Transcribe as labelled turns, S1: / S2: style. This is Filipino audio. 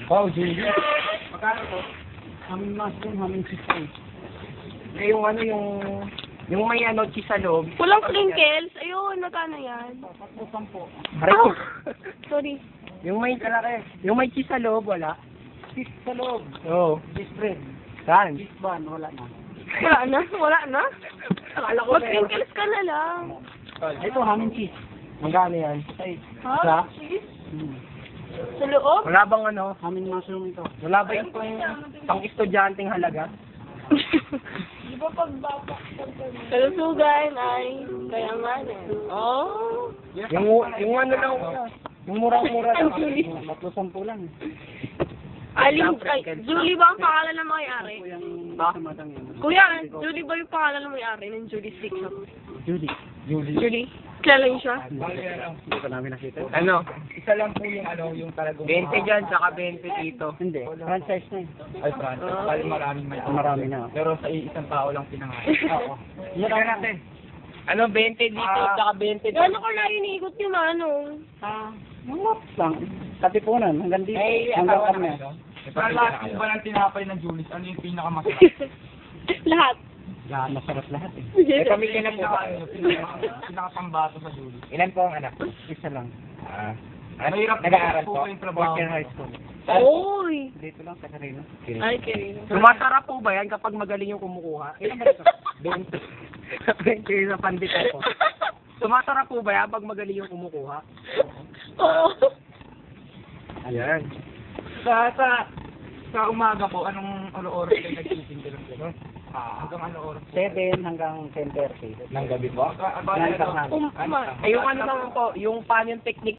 S1: Wow, Julie.
S2: Magkano to?
S1: Haming mushroom, haming chicken.
S2: Eh, yung ano, yung may ano, cheese sa loob.
S3: Walang sprinkles. Ayun, magkano yan?
S1: Sampo.
S3: Oh, sorry.
S2: Yung may cheese sa loob, wala.
S1: Cheese sa loob.
S2: Oo.
S1: Cheese bread.
S2: Saan?
S1: Cheese bun, wala na.
S3: Wala na? Wala na?
S2: Akala ko
S3: Mag-sprinkles ka na lang.
S1: Ito, haming cheese.
S2: Magkano yan?
S1: Ay,
S3: Ha?
S2: Isa?
S3: Cheese?
S1: hmm.
S3: Sa loob?
S2: Wala bang ano?
S1: Haming mushroom ito.
S2: Wala ba yung pang-estudyanteng halaga?
S3: Di ba pagbaba? Kalusugan ay kayanganan. Oh.
S2: Yung ano lang, yung murang-mura lang.
S3: Julie.
S1: 310 lang.
S3: Aling, ay, Julie ba ang pangalan ng may-ari?
S1: Yung
S2: Ha?
S1: samadang yun.
S3: Kuya, Julie ba yung pangalan ng may-ari ng Julie Stick Shop?
S1: Judy.
S3: Julie? Kilala niyo siya?
S1: Hindi pa namin nakita.
S2: Ano?
S4: Isa lang po yung ano, yung talagang
S2: 20 dyan, saka 20 dito.
S1: Hindi. Franchise na
S4: ay franchise. Bali maraming may
S1: Marami na.
S4: Pero sa isang tao lang pinangalan.
S1: Oo. Yan natin.
S2: Ano, 20 dito, saka 20 dito.
S3: Gano'n ko na iniikot yung ano?
S1: Mga lang. Katipunan. Hanggang dito.
S4: Ay,
S1: Hanggang
S4: asawa
S1: kami.
S4: na ito. Sa lahat po ba ng tinapay ng Julius, ano yung pinakamasarap?
S3: Lahat.
S1: Yan, masarap lahat eh.
S2: Eh, pamilya na po ba?
S4: Pinakapambato sa Julius.
S2: Ilan po ang anak?
S1: Isa lang.
S4: Mahirap
S2: Nag-aaral
S4: po
S2: po?
S4: yung trabaho.
S1: Fourth year high school.
S3: Oy!
S1: Dito lang sa Carino.
S3: Ay, Karina.
S2: Sumasarap po ba yan kapag magaling yung kumukuha? Ilan ba ito? 20. 20 sa pandita po. Sumasarap po ba yan pag magaling yung kumukuha?
S3: Oo.
S2: Ayan.
S4: Sa umaga po, anong oras kayo nagtitinda ng gano'n? Hanggang ano oras?
S1: 7 hanggang 10:30.
S4: Ng gabi po?
S1: Ng tanghali.
S3: Uma.
S2: Ay, yung ano naman po, yung paano yung technique